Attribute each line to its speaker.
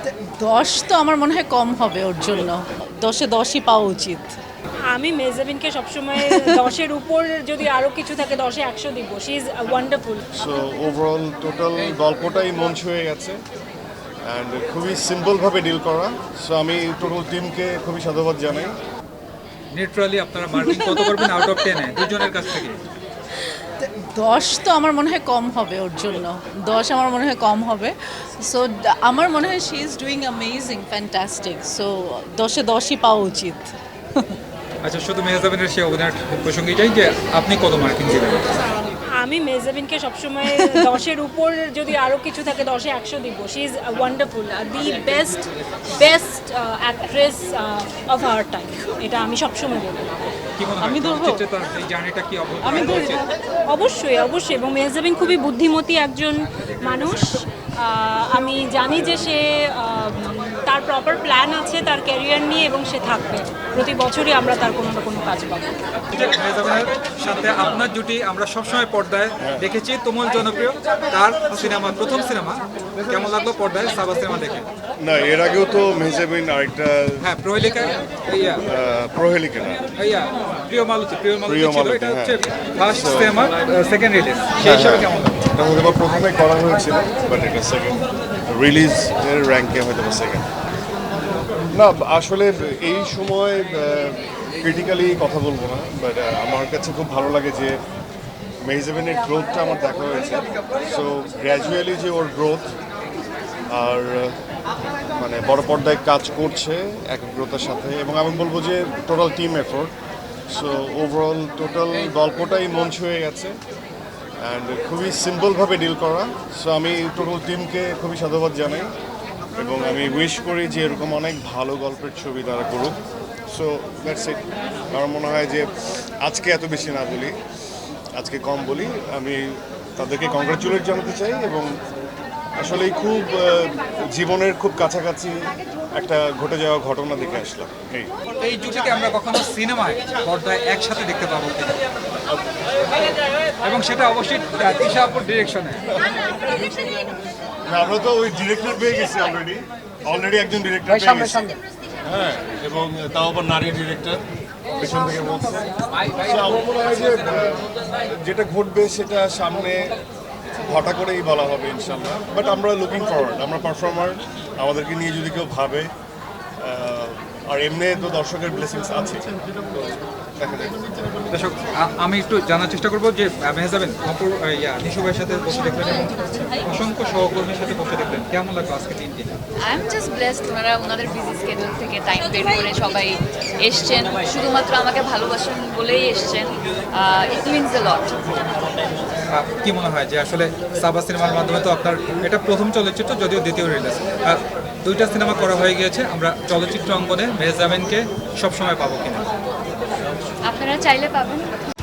Speaker 1: 10 তো আমার মনে হয় কম হবে ওর জন্য। 10-এ 10ই পাওয়া উচিত।
Speaker 2: আমি মেজাবিনকে সবসময় 10-এর উপর যদি আরও কিছু থাকে 10-এ 100 দিব। She is wonderful.
Speaker 3: So overall total গল্পটাই মন ছুঁয়ে গেছে অ্যান্ড খুবই সিম্পলভাবে ডিল করা। সো আমি টোটাল টিমকে খুবই সাধুবাদ জানাই।
Speaker 4: নিউট্রালি আপনারা মার্কিং কত করবেন আউট অফ 10-এ দুজনের কাছ থেকে?
Speaker 1: 10 তো আমার মনে হয় কম হবে ওর জন্য। 10 আমার মনে হয় কম হবে। সো আমার মনে হয় she is doing amazing, fantastic. So 10-এ 10ই পাওয়া উচিত।
Speaker 4: আচ্ছা, শুধু মেহজাবিনের সে অভিনয়ের প্রসঙ্গে যাই যে আপনি কত মার্কিং দিবেন?
Speaker 2: আমি মেজাবিনকে সবসময় 10-এর উপর যদি আরও কিছু থাকে 10-এ 100 দিব। She is wonderful, the best actress of our time. এটা আমি সবসময় বলবো।
Speaker 4: কি মনে হয়
Speaker 1: আমি ধরবো?
Speaker 4: চলচ্চিত্রে তার এই জার্নিটা কি
Speaker 1: আমি
Speaker 4: অবশ্যই
Speaker 1: ধরি।
Speaker 4: উচিত?
Speaker 2: অবশ্যই এবং মেহজাবিন খুবই বুদ্ধিমতী একজন মানুষ। আমি জানি যে সে তার প্রপার প্ল্যান আছে তার ক্যারিয়ার নিয়ে এবং সে থাকবে। প্রতি বছরই আমরা তার কোনো না কোনো কাজ পাবো।
Speaker 4: মেহজাবিনের সাথে আপনার জুটি আমরা সবসময় পর্দায় দেখেছি, তুমুল জনপ্রিয়। তার সিনেমা, প্রথম সিনেমা কেমন লাগলো পর্দায় সাবা সিনেমা দেখে?
Speaker 3: না, এর আগেও তো মেহজাবিন আরেকটা
Speaker 4: হ্যাঁ, প্রহেলিকা, ইয়া
Speaker 3: প্রহেলিকা না,
Speaker 4: ইয়া প্রিয় মালতী ছিল।
Speaker 3: মালতী,
Speaker 4: এটা
Speaker 3: হ্যাঁ।
Speaker 4: হচ্ছে ফার্স্ট সিনেমা, সেকেন্ড রিলিজ, সেই হিসাবে কেমন লাগলো?
Speaker 3: এটা হয়তো বা প্রথমে করা হয়েছিল বাট এটা সেকেন্ড রিলিজের র্যাঙ্কে হয়তো বা সেকেন্ড। না, আসলে এই সময় ক্রিটিক্যালি কথা বলবো না, বাট আমার কাছে খুব ভালো লাগে যে মেহজাবিনের গ্রোথটা আমার দেখা হয়েছে। সো গ্র্যাজুয়ালি যে ওর গ্রোথ আর মানে বড় পর্দায় কাজ করছে একাগ্রতার সাথে, এবং আমি বলবো যে total team effort. So overall total গল্পটাই মন ছুঁয়ে গেছে অ্যান্ড খুবই সিম্পলভাবে ডিল করা। সো আমি টোটাল টিমকে খুবই সাধুবাদ জানাই এবং আমি উইশ করি যে এরকম অনেক ভালো গল্পের ছবি তারা করুক। So that's it. আমার মনে হয় যে আজকে এত বেশি না বলি, আজকে কম বলি। আমি তাদেরকে কংগ্রাচুলেট জানাতে চাই এবং আসলেই খুব জীবনের খুব কাছাকাছি একটা ঘটে যাওয়া ঘটনা দেখে আসলাম।
Speaker 4: এই জুটিকে আমরা কখনো সিনেমায় পর্দায় একসাথে দেখতে পাবো কিনা, এবং সেটা অবশ্যই তিশা আপুর ডিরেকশনে।
Speaker 3: আমরা তো ওই ডিরেক্টর পেয়ে গেছি অলরেডি একজন ডিরেক্টর পেয়ে গেছি। হ্যাঁ, এবং তাও আবার নারী ডিরেক্টর পেছন থেকে বলছে। So, আমার মনে হয় যে যেটা ঘটবে সেটা সামনে ঘটা করেই বলা হবে ইনশাল্লাহ। বাট আমরা লুকিং ফরওয়ার্ড, আমরা পারফর্মার, আমাদেরকে নিয়ে যদি কেউ ভাবে, আর এমনি তো দর্শকের ব্লেসিংস আছে, তো দেখা যাবে।
Speaker 4: দর্শক, আমি একটু জানার চেষ্টা করবো যে মেহজাবিন অপর নিশু ভাইয়ের সাথে বসে দেখলেন এবং অসংখ্য সহকর্মীর সাথে বসে দেখলেন, কেমন লাগলো আজকে দিনটি?
Speaker 5: আই এম জাস্ট ব্লেসড, ওনারা ওনাদের বিজি স্কেডিউল থেকে টাইম বের করে সবাই এসছেন, শুধুমাত্র আমাকে ভালোবাসেন বলেই এসছেন। It means a lot.
Speaker 4: কি মনে হয় যে আসলে সাবা সিনেমার মাধ্যমে তো আপনার এটা প্রথম চলচ্চিত্র, যদিও দ্বিতীয় রিলিজ, দুইটা সিনেমা করা হয়ে গিয়েছে, আমরা চলচ্চিত্র অঙ্গনে মেহজাবিনকে সবসময় পাবো কিনা?
Speaker 5: আপনারা চাইলে পাবেন,